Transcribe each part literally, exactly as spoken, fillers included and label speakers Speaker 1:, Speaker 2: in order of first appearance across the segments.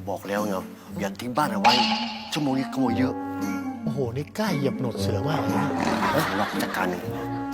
Speaker 1: บอกแล้วไงอย่าทิ้งบ้านเอาไว้ชั่วโมงนี้ขโมยเยอะ
Speaker 2: โอ้โหนี่กล้าเหยียบหนวดเสือมากเลยนะ
Speaker 1: เฮ้ยเราจัดการหนึ่ง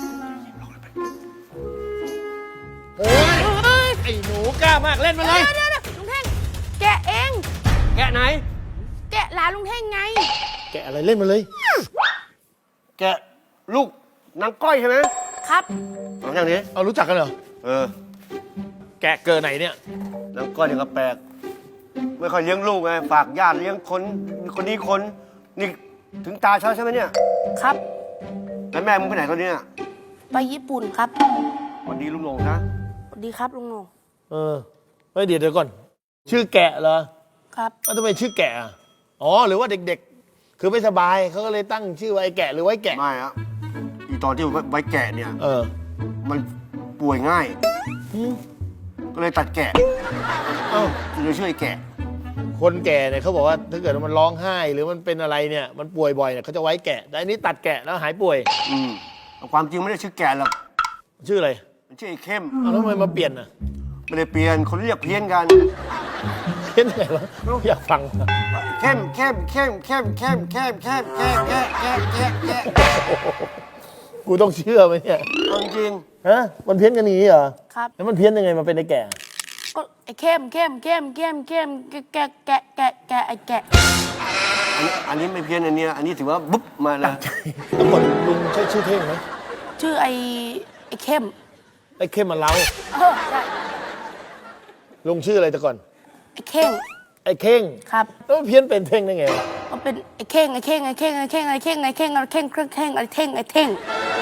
Speaker 2: โอ้ยไอ้หนูกล้ามากเล่นมาเลย
Speaker 3: เดี๋ยวเดี๋ยวลุงเท่งแกะเอง
Speaker 1: แกะไหน
Speaker 3: แกะหลานลุงเท่งไง
Speaker 2: แกอะไรเล่นมาเลย
Speaker 1: แกะลูกนางก้อยใช่ไหม
Speaker 3: ครับ
Speaker 1: เอาอย่างนี้
Speaker 2: เอารู้จักกันเหรอ
Speaker 1: เออ
Speaker 2: แกะเกิดไหนเนี่ย
Speaker 1: นางก้อยเนี่ยก็แปลกไม่ค่อยเลี้ยงลูกไงฝากญาติเลี้ยงคนคนนี้คนนี่ถึงตาเช้าใช่ไหมเนี่ย
Speaker 3: ครับ
Speaker 1: แล้วแม่มึงไปไหนตอนนี้
Speaker 3: ไปญี่ปุ่นครับ
Speaker 1: วันดีลุงหลงนะ
Speaker 3: สวัสดีครับลุงโหน่ง
Speaker 2: เออเฮ้ยเดี๋ยวเดี๋ยวก่อน ชื่อแกะเหรอ
Speaker 3: ครับ
Speaker 2: แล้วทำไมชื่อแกะอ่ะอ๋อหรือว่าเด็กๆ คือไม่สบายเขาก็เลยตั้งชื่อไว้แกะหรือไว้แกะ
Speaker 1: ไม่อะอีตอนที่ไว้แกะเนี่ย
Speaker 2: เออ
Speaker 1: มันป่วยง่าย
Speaker 2: หืม
Speaker 1: ก็เลยตัดแกะ
Speaker 2: เอ้า
Speaker 1: เลยช่วยแกะ
Speaker 2: คนแก่เนี่ยเขาบอกว่าถ้าเกิดว่ามันร้องไห้ หรือมันเป็นอะไรเนี่ยมันป่วยบ่อยเนี่ยเขาจะไว้แกะแต่อันนี้ตัดแกะแล้วหายป่วย
Speaker 1: อืมแต่ความจริงไม่ได้ชื่อแกะหรอก
Speaker 2: ชื่ออะไร
Speaker 1: มันชื่อไอ้เข้ม
Speaker 2: เอาแล้วทำไมมาเปลี่ยนอ่ะ
Speaker 1: ไม่ได้เปลี่ยนคนเรียกเพี้ยนกัน
Speaker 2: เพี้ยนไงวะอยากฟัง
Speaker 1: เข้มเข้มเข้มเข้มเข้มเข้มเข้มเข้มเข้มเข้มเข้มเข้ม
Speaker 2: กูต้องเชื่อไหมเนี่ย
Speaker 1: เอาจริง
Speaker 2: ฮะมันเพี้ยนกันอย่างนี้เหรอ
Speaker 3: ครับ
Speaker 2: แล้วมันเพี้ยนยังไงมาเป็นไอ้แก่
Speaker 3: ก็ไอ้เข้มเข้มเข้มเข้มเข้มแกะแกะแกะแกะไอ้แกะ
Speaker 1: อันนี้อันนี้ไม่เพี้ยนอันเนี้ยอันนี้ถือว่าบุ๊บมานะ
Speaker 2: แล้วก่อนลุงใช้ชื่อเท่งไหม
Speaker 3: ชื่อไอ้ไอ้เข้ม
Speaker 2: ไอ้เข้มมันเล้า
Speaker 3: เออใช่
Speaker 2: ลุงชื่ออะไรแต่ก่อน
Speaker 3: ไอ้เข่ง
Speaker 2: ไอ้เข่ง
Speaker 3: ครับ
Speaker 2: แล้วมันเพี้ยนเป็นเท่งได้ไงวะ
Speaker 3: มันเป็นไอ้เข่งไอ้เข่งไอ้เข่งไอ้เข่งไอ้เข่งไอ้เข่งไอ้เข่งเครื่องเข่งไอ้เท่งไอ้เท่ง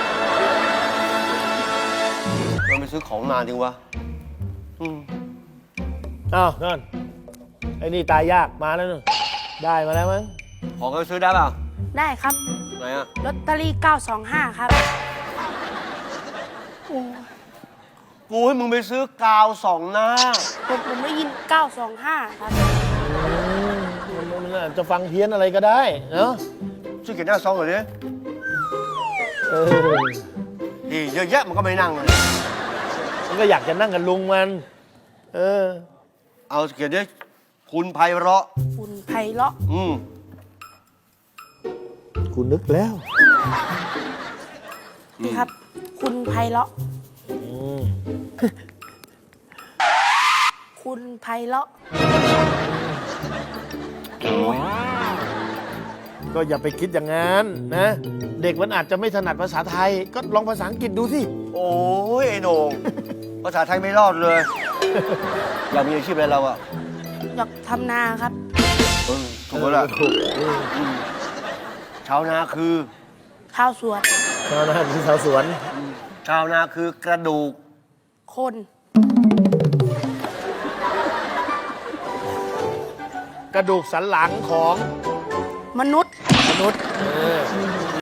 Speaker 1: เราไปซื้อของนานจริงวะอืม
Speaker 2: อ้าวนั่นไอ้นี่ตายยากมาแล้วนึงได้มาแล้วมั้ง
Speaker 1: ของก็ไปซื้อได้เปล่า
Speaker 3: ได้ครับ
Speaker 1: ไหนอะ
Speaker 3: ลอตเตอรี่เก้าสองห้าครับ
Speaker 1: กูให้มึงไปซื้อกาวสองหน้า
Speaker 3: ผมผมได้ยินเก้าสองห้าครับ
Speaker 2: มันมันอาจจะฟังเพี้ยนอะไรก็ได้เนาะ
Speaker 1: ซื้อเขียนหน้าซองเหรอเนี่ย
Speaker 2: เออ
Speaker 1: ดีเยอะแยะมันก็ไม่นั่งเลย
Speaker 2: มันก็อยากจะนั่งกับลุงมัน เออ
Speaker 1: เอาเขียนด้วยคุณไพเราะ
Speaker 3: คุณไพเราะ
Speaker 1: อืม
Speaker 2: กูนึกแล้ว
Speaker 3: นี่ครับ คุณไพเราะ
Speaker 2: อืม
Speaker 3: คุณไพเราะ
Speaker 2: ก็อย่าไปคิดอย่างนั้นนะ เด็กมันอาจจะไม่ถนัดภาษาไทย ก็ลองภาษาอังกฤษดูสิ
Speaker 1: โอ้ยไอ้โหน่งภาษาไทยไม่รอดเลย อยากมีอาชีพอะไรเราอะ
Speaker 3: อยากทำนาครับ
Speaker 1: เออถูกแล้วล่ะ
Speaker 2: ถูกเออ
Speaker 1: ชาวนาคือ
Speaker 3: ข้าวสวน
Speaker 2: ชาวนาคือชาวสวน
Speaker 1: ชาวนาคือกระดูก
Speaker 3: คน
Speaker 2: กระดูกสันหลังของ
Speaker 3: มนุษย์
Speaker 2: มนุษย์เออ